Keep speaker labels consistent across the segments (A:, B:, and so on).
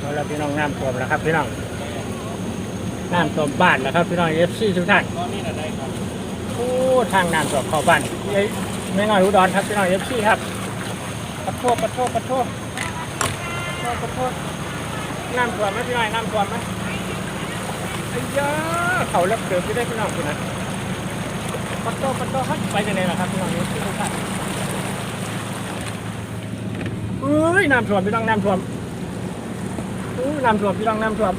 A: แล้วพี่น้องน้ำท่วมแล้วครับพี่น้องน้ำท่วมบ้านแล้วครับพี่น้องFCทุกท่านโอ้ทางน้ำท่วมเข้าบ้านไม่น้อยอุดรครับพี่น้องFCครับขอโทษน้ำท่วมไหมพี่น้องน้ำท่วมไหมไอ้ยาเขาเลิกเดือดไม่ได้พี่น้องคุณนะขอโทษครับไปยังไงล่ะครับพี่น้องFCทุกท่านเอ้ยน้ำท่วมพี่น้องน้ำท่วมน้ำท่วมพี่น้องน้ำท่วม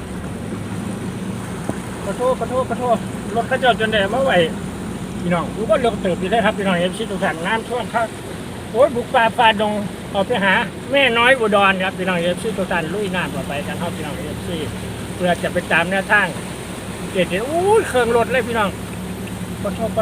A: ขอโทษรถกระจกจนแดดมาไหวพี่น้องรู้ว่าเลือกเติบอยู่ได้ครับพี่น้องFCทุกท่านน้ำท่วมครับโอ้ยบุกป่าฝ่าดงออกไปหาแม่น้อยอุดรครับพี่น้องFCทุกท่านลุยน้ำต่อไปกันครับพี่น้องFCเพื่อจะไปตามแนวทางเด็ดๆอู้เครื่องรถเลยพี่น้องขอโทษ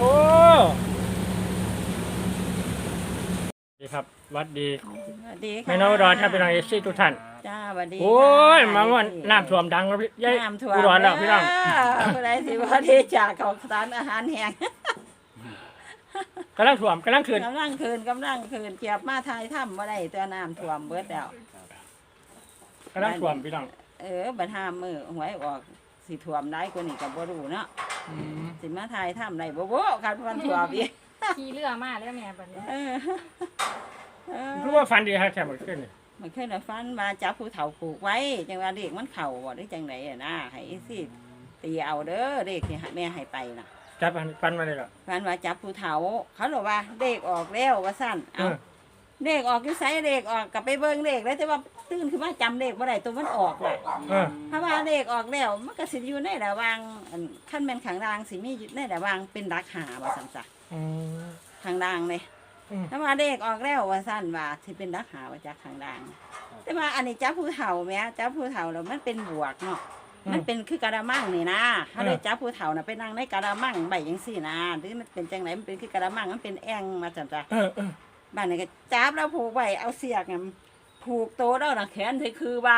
A: ดีครับวัดดีแม่น้อยอุดรครับพี่น้องFCทุกท่าน
B: จ้าสวัสดี
A: โอ้ยมาวันน้ำท่วมดังแล้วพี่ยัยอุดรแล้วพี่น้อง
B: ผู้ใดสิว่าที่จากของสารอาหารแห้ง
A: กำลังท่วมกำลังคืน
B: กำลังคืนเกียบมาทายถ้ำบ่ได้ตัวน้ำท่วมเบิดแล้ว
A: กำลังท่วมพี่น้อง
B: บัดห้ามมือหวยออกสิท่วมได้กว่านี้ก็บ่รู้เนาะสิมาทายถ้ำได้บ่คันมันท่วมอีก
C: ขี่เรือมาแล้วแม่บัดนี้
A: รู้ว่าฟันดีครับแค่หมดขึ้น
B: มันเคยได้ฟันมาจับผู้เฒ่าผูกไว้จังว่าเด็กมันเข่าบ่ได้จังได๋นะให้สิตีเอาเด้อเด็กที่แม่ให้ไปน่ะ
A: จับฟันมาเลยเหรอ
B: ฟันว่าจับผู้เฒ่าเขาบอกว่าเด็กออกแล้วว่าซั่นเอาเด็กออกอยู่ไสเด็กออกกลับไปเบิ่งเด็กแล้วแต่ว่าตื่นขึ้นมาจำเด็กบ่ได้ตัวมันออกน่ะเพราะว่าเด็กออกแล้วมันก็สิอยู่ในระหว่างคันแม่นข้างล่างสิมีในระหว่างเป็นดักหาว่าซั่นจ้ะข้างล่างนี่ถ้าว่าเด็กออกแล้วว่าซั่นว่าสิเป็นดักหาว่าจากข้างล่างแต่ว่าอันนี้จับผู้เฒ่าแม่จับผู้เฒ่าแล้วมันเป็นบวกเนาะมันเป็นคือกะละมังนี่นะถ้าได้จับผู้เฒ่าน่ะไปนั่งในกะละมังใบจังซี่นะหรือมันเป็นจังไหนมันเป็นคือกะละมังมันเป็นแอ่งมาจังจ้ะบ้านนี้ก็จับแล้วผูกไว้เอาเสียกน่ะผูกโตแล้วน่ะแขนที่คือบ้าน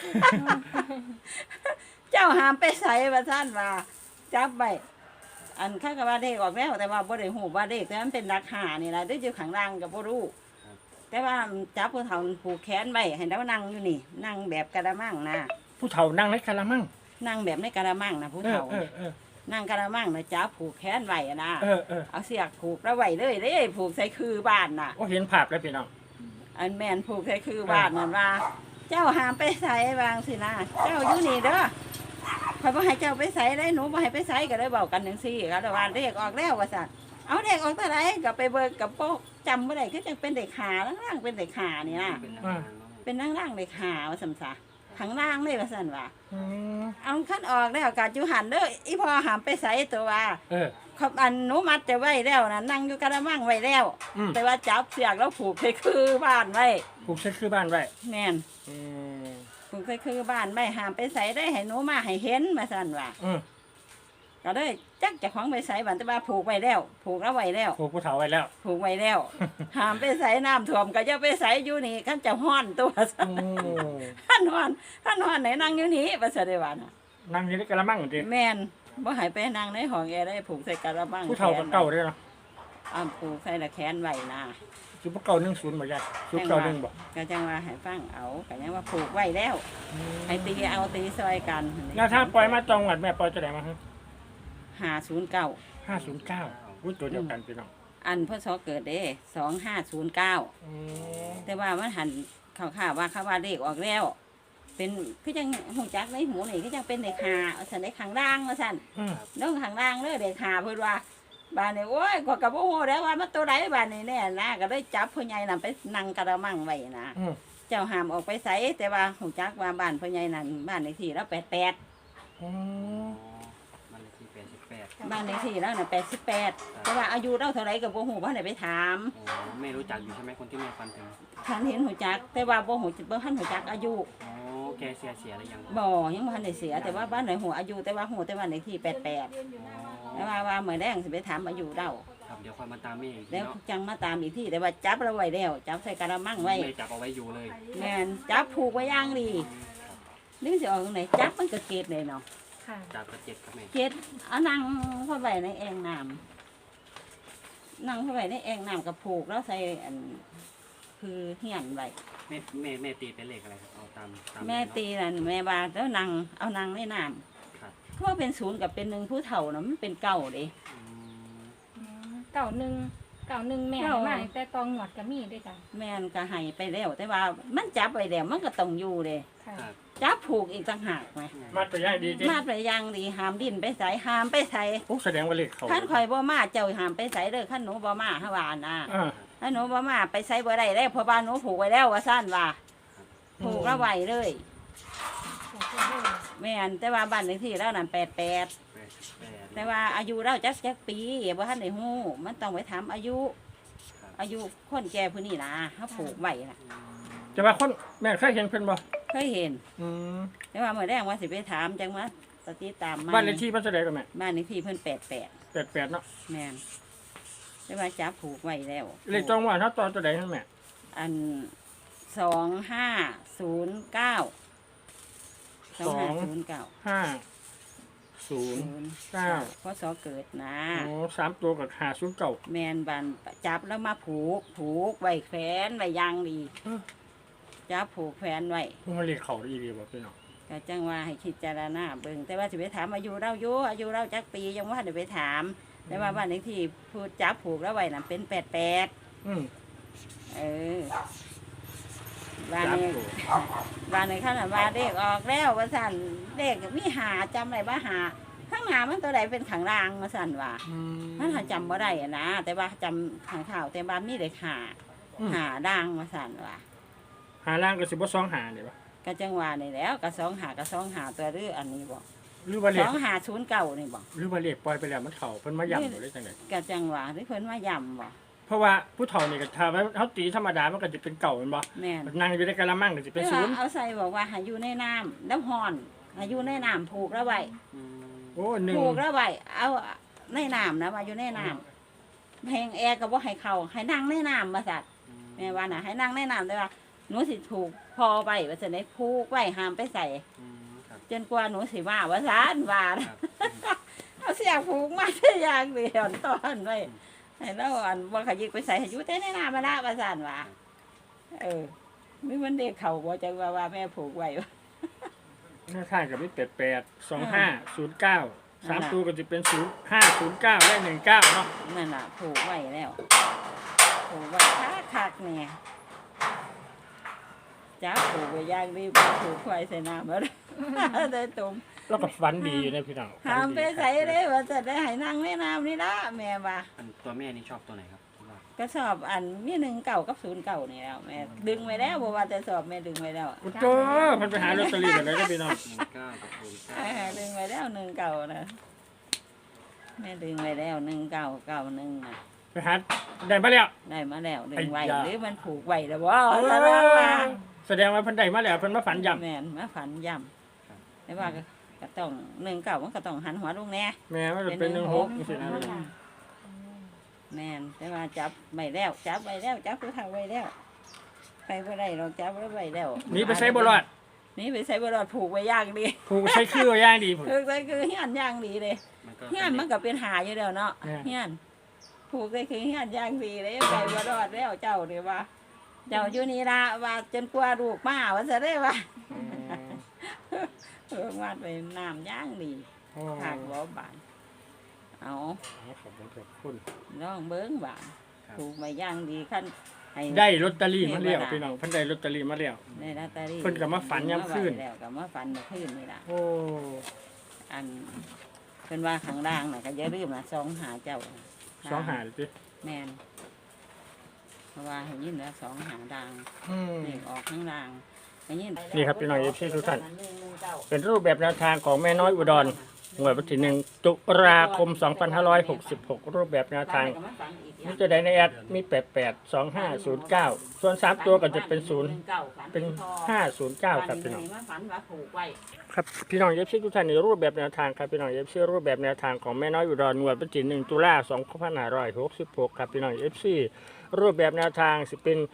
B: เจ้าหามไปใส่ว่าซั่นว่าจับไว้อันข้าก็ว่าเด็กออกแล้วแต่ว่าบ่ได้ฮู้ว่าเด็กแต่มันเป็นราคานี่ล่ะได้อยู่ข้างล่างก็บ่รู้แต่ว่าจับผู้เฒ่าผูกแขนไว้ให้แล้วนั่งอยู่นี่นั่งแบบกะละมังนะ
A: ผู้เฒ่านั่งในกะละมัง
B: นั่งแบบในกะละมังนะผู้เฒ่านั่งกะละมังนะจับผูกแขนไว้นะเอาเสียกผูกแล้วไว้เลยเด้ผูกใส่คือบ้านน่ะ
A: โอ้เห็นภาพแล้วพี่น้อง
B: อันแม่นผูกใส่คือบ้านนั่นว่าเจ้าหามไปใส่วางสินะเจ้าอยู่นี่เด้อข่อยบ่ให้เจ้าไปใส่ได้หนูบ่ให้ไปใส่ก็เลยเว้ากันจังซี่ก็ว่าเด็กออกแล้วว่าซั่นเอาเด็กออกเท่าไหร่ก็ไปเบิกกับโป๊กจำบ่ได้คือจังเป็นเด็กขาล่างๆเป็นเด็กขานี่นะเป็นล่างๆเด็กขาว่าซั่นซะข้างล่างเลยว่าซั่นว่าเอาคันออกแล้วก็อยู่หันเด้ออีพ่อหามไปใส่ตัวว่าเขาอันหนูมัดจะไว้แล้วนะนั่งอยู่กะละมังไว้แล้วแต่ว่าจับเสียกแล้วผูกใส่คือบ้านไว้
A: ผูกใส่คือบ้านไว้
B: แม่นผูกใส่คือบ้านไว้หามไปใส่ได้ให้หนูมาให้เห็นมาสั่นว่าก็เลยจักจะของไปใส่บ้านแต่ว่าผูกไว้แล้วผูกแล้วไว้แล้ว
A: ผูกผู้เฒ่าไว้แล้ว
B: ผูกไว้แล้วหามไปใส่น้ำท่วมก็จะไปใส่อยู่นี่ขั้นจะห้อนตัวขั้นห้อนไหนนั่งอยู่นี่ภาษาเดวานะ
A: นั่งอยู่ในกะละมังจริง
B: แม่นบ่ให้ไปนั่งในห้องแอร์ได้ผูกใส่กะละมัง
A: ผู้เฒ่ากับเก่าด้วยเนาะ
B: ผูกใส่ละแขนไว้นะ
A: คือพวกเก่า10บ่ยากชุดเก่า1บ่
B: ก็จังว่าให้ฟังเอาก็ยังว่าผูกไว้แล้วให้ตีเอาตีซอยกัน
A: แล้วถ้าปล่อยมาจังหวัดแม่ปล่อยจะได้มา
B: 509
A: อุ้ยตัวเดียวกันพี่น้อง
B: อันพศเกิดเด้2509แต่ว่ามันหันข่าวว่าเขาว่าเลขออกแล้วเป็นคือจังหูจักในหูนี่คือจังเป็นเด็กหาสั่นในข้างล่างว่าสั่นน้องข้างล่างเลยเด็กหาเพิ่นว่าบ้านนี้โอ้ยก็บ่ฮู้แล้วว่ามันตัวใดบ้านนี้แน่นะก็ได้จับพ่อใหญ่นั่นไปนั่งกระมังไว้นะเจ้าห้ามออกไปไสแต่ว่าหูจักว่าบ้านพ่อใหญ่นั่นบ้านเลขที่แล้ว88บ้านเลขที่แล้วน่ะ88แต่ว่าอายุเราเท่าไหร่ก็บ่ฮู้บ่ได้ไปถาม
D: ไม่รู้จักอยู่ใช่ไหมคนที่แม่ฟันถึง
B: ฉันเห็นหูจักแต่ว่าบ่ฮู้บ่ทันหูจักอายุ
D: แกเสียหรือยัง
B: บ่ยังบ่ทันได้เสียแต่ว่าบ้านไหนฮู้อายุแต่ว่าฮู้แต่ว่าเลขที่88แต่ว่ามื้อแรงสิไปถามอายุเรา
D: ครับเดี๋ยวค่อยมาตามแม่อีก
B: แล้วจังมาตามอีกที่แต่ว่าจับเราไว้แล้วจับใส่กระมังไว้
D: ไม่จับเอาไว้อยู่เลย
B: แม่นจับผูกไว้อย่างดีนึกสิออกตรงไหนจับมันก็เกตเลยเนาะ
D: จับกระเจ็ดครับแม่
B: เกตเอานั่งเข้าไปในแอ่งน้ำนั่งเข้าไปในแอ่งน้ำกับผูกแล้วใส่อันคือเฮียนไว้
D: แม่ตีเป็นเลขอะไรครับเอาตาม
B: แม่ตีนั่นแม่ว่าแล้วนางเอานางในน้
D: ครับ
B: ำเพราะว่าเป็นศูนย์กับเป็นหนึ่งผู้เฒ่านะมันเป็นเก่าเด้
D: อืม
C: เก่าหนึ่งแม่
B: เก่า
C: มาแต่ตองหนวดก็มีด้วยจ้ะ
B: แม่นก็ให้ไปแล้ว แต่ว่ามันจับไปแล้วมันก็ต้องอยู่เลย
C: ค่ะ
D: ครับ
B: จับผูกอีกต่างหากไหม
A: มาตัวอย่างดีจริง
B: มาไปอยังดีหามดินไปใส่หามไปใส่
A: โอ้แสดงว่าเลขเขา
B: ขั้นข่อยบ่มาเจ้าหามไปใส่เด้อขั้นหนูบ่มาฮะว่านะ
A: อ่า
B: ถ้าหนูบ่มาไปใส่บ่ได้แล้วเพราะบ้านหนูผูกไว้แล้วว่าซั่นว่าผูกแล้วไว้เลย
C: ถูกต้องเลย
B: แม่นแต่ว่าบ้านเลขที่แล้วนั่น88
D: 88
B: แต่ว่าอายุเราจักปีบ่ทันได้ฮู้มันต้องไปถามอายุ
D: ครับ
B: อายุคนแก่ผู้นี้นะเฮาผูกไว้น่ะ
D: อืม
A: จะว่าคนแม่เคยเห็นเพิ่นบ่
B: เคยเห็น
A: อืม
B: แต่ว่ามื้อแรกว่าสิไปถามจังว่าสติตามมา
A: บ้านเลขที่เพิ่นเท่าใดกันแม่
B: บ้านเลขที่เพิ่น88
A: 88เนาะ
B: แม่นแต่ว่าจับผูกไว้แล้ว
A: เลขจองว่าเฮาตอนตัวใดนั่นแม่
B: อัน2509 2509
A: 509
B: พศเกิดนะ
A: โอ้3ตัวกับ509
B: แมนบันจับแล้วมาผูกไว้แขวนไว้อยางดี
A: เออ
B: จับผูกแขวนไว้
A: พวกมันเลขเขาดีบ่พี่น้อง
B: ก็จังว่าให้คิดจารณาเบิ่งแต่ว่าสิไปถามอายุเราอยู่อายุเราจักปียังว่าเดี๋ยวไปถาม แต่ว่าบ้านเลขที่พูดจับผูกแล้วไว้น่ะเป็น88
A: อืม
B: เออบ้าน
A: สาม
B: นี้
A: ตัว
B: บ้านนี้ข้างหน้าบ้านเลขออกแล้วว่าสั่นเลขมีหาจำอะไรว่าหาข้างหน้ามันตัวใดเป็นขังรางมาสั่นว่า
A: อืม
B: มันหาจำบ่ได้อะนะแต่ว่าจำขังข่าวแต่บ้านมีเลขหา
A: อืม
B: หาด่างมาสั่นว่า
A: หาล่างก็สิบ่2หานี่บ่
B: ก็จังว่านี่แล้วก็2 หาตัวหรืออันนี้บอก
A: หรือว่าเลข
B: 2 5 0 9นี่บอก
A: หรือว่าเลขปล่อยไปแล้วมันเข้าเพิ่นมาย้ำบ่ได้จังได๋
B: ก็จังว่าหรือเพิ่นมาย้ำบอก
A: เพราะว่าผู้เฒ่านี่ก็ถ้าว่าเฮาตีธรรมดามันก็จะเป็นเก่าแม่นบ่
B: แม่น
A: นั่งอยู่ในกะละมังก็สิเป็นศูนย์
B: เอาใส่บอกว่าให้อยู่ในน้ำแล้วห่อนให้อยู่ในน้ำผูกแล้วไว้
D: อืม
A: โอ้หนึ่ง
B: ผูกแล้วไว้เอาในน้ำนะว่าอยู่ในน้ำเพลงแอร์ก็บ่ให้เข้าให้นั่งในน้ำมาสัตว์แม่ว่าน่ะให้นั่งในน้ำแต่ว่าหนูสิถูกพอไปว่าจะได้ผูกไว้ห้ามไปใส่
D: อืมครับ
B: จนกว่าหนูสิว่าซานว่า
D: ค
B: นะ
D: รับ
B: เอาเสียผูกมาได้อย่างเดียวตอนไว้ให้เราอันบ่ขยิกไปใส่ให้อยู่แต่ในน้ำมาละว่าซานว่ามีมันเด็กเขาบ่จังว่าแม่ผูกไว้
A: หน้าข้างก็มี85 25 09 3ตัวก็จะเป็น0509และ19เนาะ
B: นั่นล่ะผูกไว้แล้วผูกไว้คักๆเนี่ยจ้าผูกไว้อย่างดีผูกไว้ใส่น้ำมาได้ตุ่ม
A: แล้วก็ฝันดีอยู่นะพี่น้อง
B: ห้ามไปใส่เลยว่าจะได้ให้นั่งในน้ำนี่ละแม่ว่า
D: อันตัวแม่นี่ชอบตัวไหนครับว่า
B: ก็สอบอันมี19กับ09นี่แล้วแม่ดึงไว้แล้วบ่ว่าจะสอบแม่ดึงไว้แล้ว
A: โอ้โหเพิ่นไปหาลอตเตอรี่กันเลยนะพี่น้อง
D: 19กับ09
B: ดึงไว้แล้ว19นะแม่ดึงไว้แล้ว1991น่ะ
A: ไปหาได้มาแล้ว
B: ได้มาแล้วดึงไว้
A: ไอ้ยา
B: หรือมันผูกไว้แล้วบ่
A: แสดงว่าเพิ่นได้มาแล้วเพิ่นมาฝันย้ำ
B: แม่นมาฝันย่ำแต่ว่าก็ต้อง19มันก็ต้องหันหัวลงแน่
A: แม่มันจะเป็น16จังซี่นะพี่น้อง
B: แม่นแต่ว่าจับไม่แล้วจับไว้แล้วจับผู้เฒ่าไว้แล้วไปบ่ได้เราจับไว้แล้ว
A: หนี่ไปใส่บ่รอด
B: นี่ไปใส่บ่รอดผูกไว้อย่างดี
A: ผูกใส่คือว่าอย่างดีพุ่น
B: ผูกไว้คือเฮียนอย่างดีเลย
D: มันก็
B: เฮียนมันก็เป็นหาอยู่แล้วเนาะ
A: แม่
B: เฮียนผูกไว้คือเฮียนอย่างดีเลยไปบ่รอดแล้วเจ้านี่ว่า เจ้าอยู่นี่ล่ะว่าจนกว่าลูกมาว่าซะได้ว่า วาดไปน้ำย่างดี
A: โอ้
B: ทางบ่บาน เอา
A: ขอบคุณ
B: น้องเบิ้งบานถูกมาย่างดีขั้นให้
A: ได้ลอตเตอรี่มาแล้วพี่น้องเพิ่นได้ลอตเตอรี่มาแล้ว
B: ในลอตเตอรี่
A: เพิ่นก็มาฝันยามคืน
B: แล้วก็มาฝันเมื่อคืนนี่ล่ะ
A: โอ้
B: อันเพิ่นว่าข้างล่างน่ะก็อย่าลืมนะ2 หาเจ้า
A: 2หาเลยติ
B: แม่นเพราะว่าให้ยินแล้ว2 หาดัง
A: อืม
B: นี่ออกข้างล่างให้ยิน
A: นี่ครับพี่น้อง FC ทุกท่าน เป็นรูปแบบแนวทางของแม่น้อยอุดร หน่วยวันที่1ตุลาคม 2566 รูปแบบแนวทางมีตัวใดในแอดมี 88 2509 ส่วน 3 ตัวก็จะเป็น 0 เป็น 509 ครับพี่น้อง
B: ฝันว่าผูกไว้
A: ครับพี่น้องเอฟซีทุกท่านในรูปแบบแนวทางครับพี่น้องเอฟซีรูปแบบแนวทางของแม่น้อยอุดรหน่วยวันที่1ตุลา2566 ครับพี่น้องเอฟซีรูปแบบแนวทางสิเป็น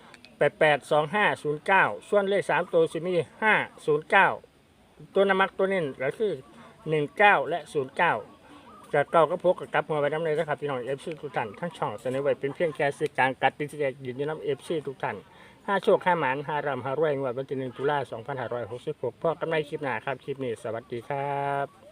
A: 882509 ส่วนเลข 3 ตัวสิมี 509 ตัวนำมักตัวนี้ก็คือ 19 และ 09 จะเก้าก็พกกับกลับหัวไว้น้ำเลยนะครับพี่น้องเอฟซีทุกท่านทั้งช่องเสนอไว้เป็นเพียงแค่สื่อกลางกัดติดแจกยืนยันน้ำเอฟซีทุกท่านห้าโชคห้าหมานห้ารำห้ารวยงวดวันที่1 ตุลาคม 2566พ่อกันในคลิปหน้าครับคลิปนี้สวัสดีครับ